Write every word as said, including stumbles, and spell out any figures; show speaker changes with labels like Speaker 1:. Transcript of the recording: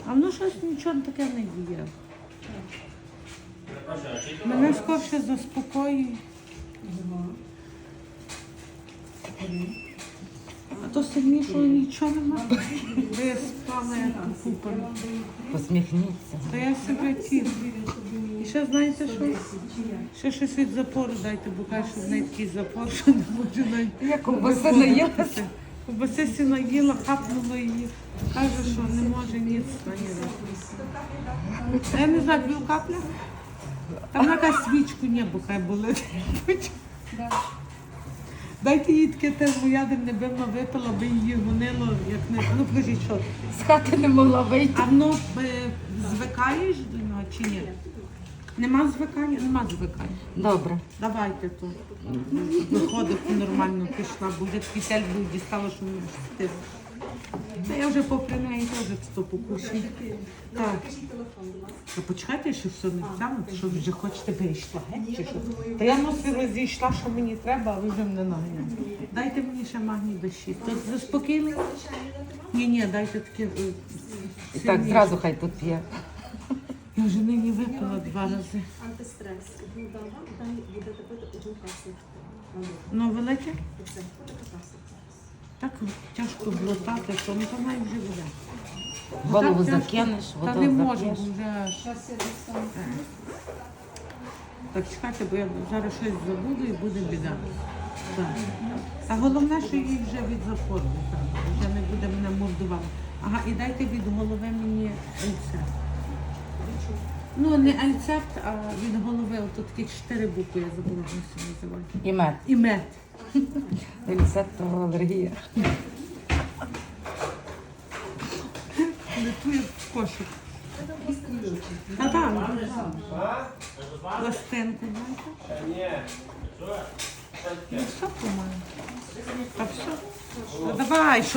Speaker 1: А воно щось нічого таке не діє. Мене скорше заспокоює. А то сильнішого нічого нема. Ви спали купу.
Speaker 2: Посміхніться.
Speaker 1: Та я себе ті. І ще знаєте що? Ще щось від запору дайте, бо каже, що в неї такий запор, що не можу навіть.
Speaker 2: Я ковбаси наїлася.
Speaker 1: Ковбаси сі наїла, хапнула її. Каже, що не може ніц наїла. Я не знаю, пів капля. Там якась свічку небо хай болить. Дайте їй таке термоядерне, би вона випила, би її гонило, як не... Ну, покажіть, що?
Speaker 2: З хати не могла вийти.
Speaker 1: А воно е, звикаєш до нього чи ні? Нема звикання? Нема звикання.
Speaker 2: Добре.
Speaker 1: Давайте то. Виходить, нормально пішла, бо вже такий тель був дістала, що не встиг. Та я вже попри неї теж то покушаю. Так. Та почекайте, що все не взяла, що ви вже хочете би йшла, геть, чи що? Та я носи розійшла, що мені треба, а ви вже мене наганяєте. Дайте мені ще магній до шість. То заспокійливо? Ні, ні, дайте таке. е,
Speaker 2: І так
Speaker 1: сильніше.
Speaker 2: зразу хай тут п'є.
Speaker 1: Я вже нині випила два рази.
Speaker 3: Антистрес. Одну дам вам, далі будете пити одну каплю.
Speaker 1: Ну, велике?
Speaker 3: Це така капсула.
Speaker 1: Так тяжко глотати, що ну то навіть вже буде.
Speaker 2: Голову
Speaker 1: Так тяжко.
Speaker 2: закинеш,
Speaker 1: Та
Speaker 2: воду
Speaker 1: не можу,
Speaker 2: закинеш.
Speaker 1: бо вже аж. Так чекайте, бо я зараз щось забуду і буде біда. Так. А головне, що їй вже від запору, так, вже не буде мене мордувати. Ага, і дайте від голови мені альцепт. Ну, не альцепт, а від голови, ото такі чотири букви, я забула, як це називають.
Speaker 2: І мед.
Speaker 1: І мед.
Speaker 2: Рецептова алергія.
Speaker 1: Летує в кошик. А так, пластинку, знаєте? Ну, все, по-моєму. Та все. Ну, давай,